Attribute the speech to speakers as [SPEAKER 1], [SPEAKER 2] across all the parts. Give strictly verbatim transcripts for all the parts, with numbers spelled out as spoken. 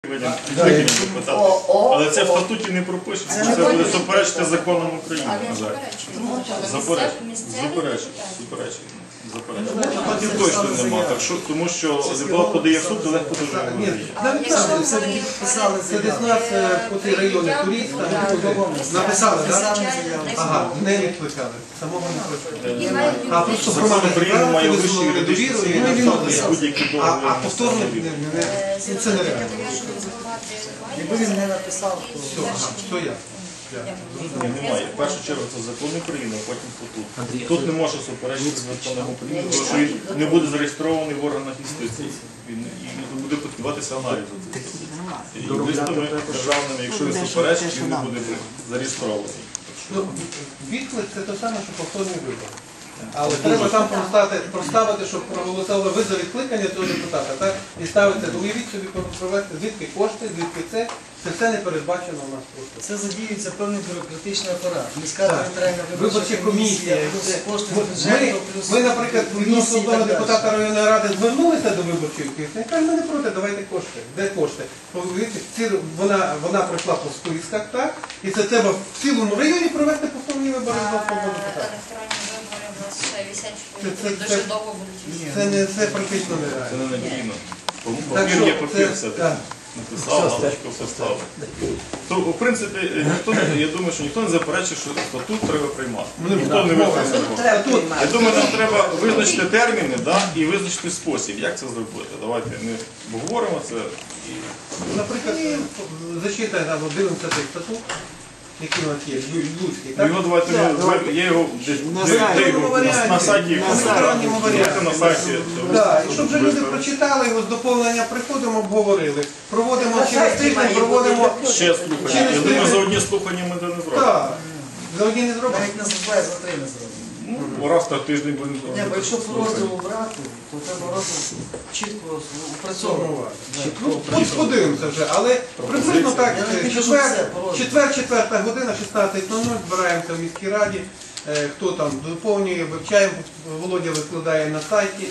[SPEAKER 1] Викинемо депутата. Але це в статуті не пропишено, що це буде суперечити законам України. Заперечує. Депутатів точно нема, так що, тому що депутат подає в суд, легко дуже говорить.
[SPEAKER 2] Це десь нас по цій районі Турійська, написали, так? Ага, не відкликали, самого не відкликали. А просто громада
[SPEAKER 1] Україна має вищу
[SPEAKER 2] висловили
[SPEAKER 1] юридичну
[SPEAKER 2] довіру, і не відмовилися.
[SPEAKER 1] будь-які договори.
[SPEAKER 2] А повторно це нереально.
[SPEAKER 3] Якби він не написав, то...
[SPEAKER 2] Все, ага, все я.
[SPEAKER 1] Ні, немає. В першу чергу це закон України, а потім статут. Тут не може суперечити законам України, тому що він не буде зареєстрований в органах юстиції. Він і буде піддаватися аналізу. І юристами державними, якщо він суперечить, він не буде зареєстрований.
[SPEAKER 2] Відклик – це те саме, що повторний вибор. Але треба там проставити, щоб проголосували ви за відкликання цього депутата. Так? І ставиться, уявіть собі, провести, звідки кошти, звідки це. Це все не передбачено у нас просто.
[SPEAKER 3] Це задіюється певний бюрократичний апарат. Міська територіальна
[SPEAKER 2] виборча комісія,
[SPEAKER 3] плюс кошти з
[SPEAKER 2] ми,
[SPEAKER 3] бюджету, плюс...
[SPEAKER 2] ми, наприклад, відносно одного депутата районної ради звернулися до виборчої комісії, каже, ми не проти, давайте кошти. Де кошти? Ці, вона, вона пройшла по списках, так? І це треба в цілому районі провести повторні вибори з одного депутата.
[SPEAKER 4] Дуже довго будуть.
[SPEAKER 2] Це, не, це практично нереально.
[SPEAKER 1] Це не надійно. Папір є папір все-таки. Написав, галочку поставив. То, в принципі, ніхто не, я думаю, що ніхто не заперечує, що статут треба приймати. Ніхто не визначить. Я думаю, нам треба визначити терміни, да, і визначити спосіб, як це зробити. Давайте ми обговоримо це.
[SPEAKER 2] Наприклад, зачитай нам одинадцятий статут, який у нас є, Луцький, так?
[SPEAKER 1] Його давайте, ми, я його десь на сайті, на сайті.
[SPEAKER 2] Так, і щоб вже люди прочитали його, з доповнення приходимо, обговорили. Проводимо через тиждень, проводимо...
[SPEAKER 1] Ще слухання. Я думаю, за одні слухання ми це не зробимо.
[SPEAKER 2] Так, за одні не зробимо.
[SPEAKER 3] Навіть не зробляє, за три не зробимо.
[SPEAKER 1] Ну, раз на тиждень будемо
[SPEAKER 3] Ні, бо якщо по розділу брати, то треба розділ чітко упрацьовувати.
[SPEAKER 2] Ну, от подивимося вже, але приблизно так, четвер, четверта година, шістнадцять нуль нуль, збираємося в міській раді, хто там доповнює, вивчаємо, Володя викладає на сайті.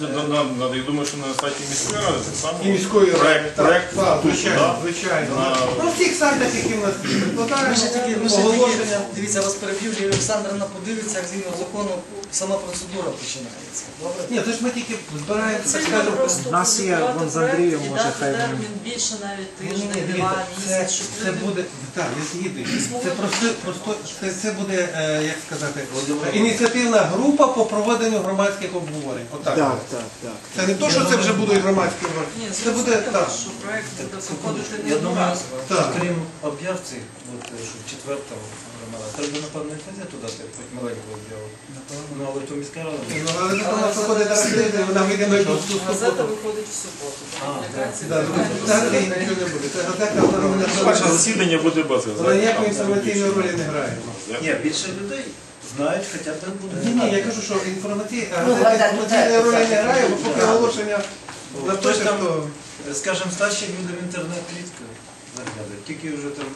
[SPEAKER 1] Я думаю, що на сайті міської ради так само.
[SPEAKER 2] І міської ради.
[SPEAKER 1] Проєкт,
[SPEAKER 2] звичайно, звичайно. На всіх сайтах, які в нас викладаємо, оголошення.
[SPEAKER 3] Дивіться, вас переб'ю, Лілія Олександрівна подивиться, як згідно закону сама процедура починається. Добре?
[SPEAKER 2] Ні, це ж ми тільки збираємо, так скажемо.
[SPEAKER 5] У нас є вон з Андрієм, може хай він...
[SPEAKER 4] термін більше навіть
[SPEAKER 2] Ні, ні,
[SPEAKER 4] тиждень,
[SPEAKER 2] ні,
[SPEAKER 4] два,
[SPEAKER 2] це,
[SPEAKER 4] місяць, щоб
[SPEAKER 2] це
[SPEAKER 4] люди...
[SPEAKER 2] буде, так, я згідний. Це просто, просто це, це буде, е, як сказати, ініціативна група по проведенню громадських обговорень. Отак.
[SPEAKER 5] Так, так, так.
[SPEAKER 2] Це не то, що це вже будуть громадські обговорення.
[SPEAKER 4] Ні,
[SPEAKER 2] Це буде так.
[SPEAKER 4] що проєкт буде проходити
[SPEAKER 6] Я
[SPEAKER 4] не
[SPEAKER 6] думаю,
[SPEAKER 4] одноразово.
[SPEAKER 2] Так.
[SPEAKER 6] крім об'явці, от, що четвертого громада, треба, напевно, і газету дати, хоч маленьку об'яву. Ну, але то міська рада.
[SPEAKER 2] Ну, але це вона проходить зараз тиждень, вона вийде на якусь
[SPEAKER 4] Газета
[SPEAKER 2] суботу.
[SPEAKER 4] виходить в суботу.
[SPEAKER 2] Так, взагалі нічого не буде. Це газета, вона
[SPEAKER 1] Перше
[SPEAKER 2] не
[SPEAKER 1] засідання буде без
[SPEAKER 2] вона ніякої інформаційної ролі не грає.
[SPEAKER 6] Ні, більше людей знають, хоча б буде.
[SPEAKER 2] Ні, ні, я кажу, що інформаційна інформаційної ролі не грає, бо поки оголошення напише, то...
[SPEAKER 6] Скажімо, старші люди в інтернет рідко заглядають, тільки вже там...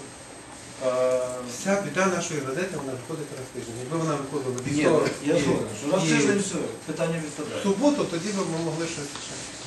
[SPEAKER 2] Вся біда нашої газети, вона виходить раз в тиждень. Якби вона виходила
[SPEAKER 6] Ні,
[SPEAKER 2] вівторок
[SPEAKER 6] я згоден, що раз в
[SPEAKER 2] і
[SPEAKER 6] тиждень все, питання
[SPEAKER 2] в
[SPEAKER 6] відпадає.
[SPEAKER 2] суботу, тоді б ми могли щось ще.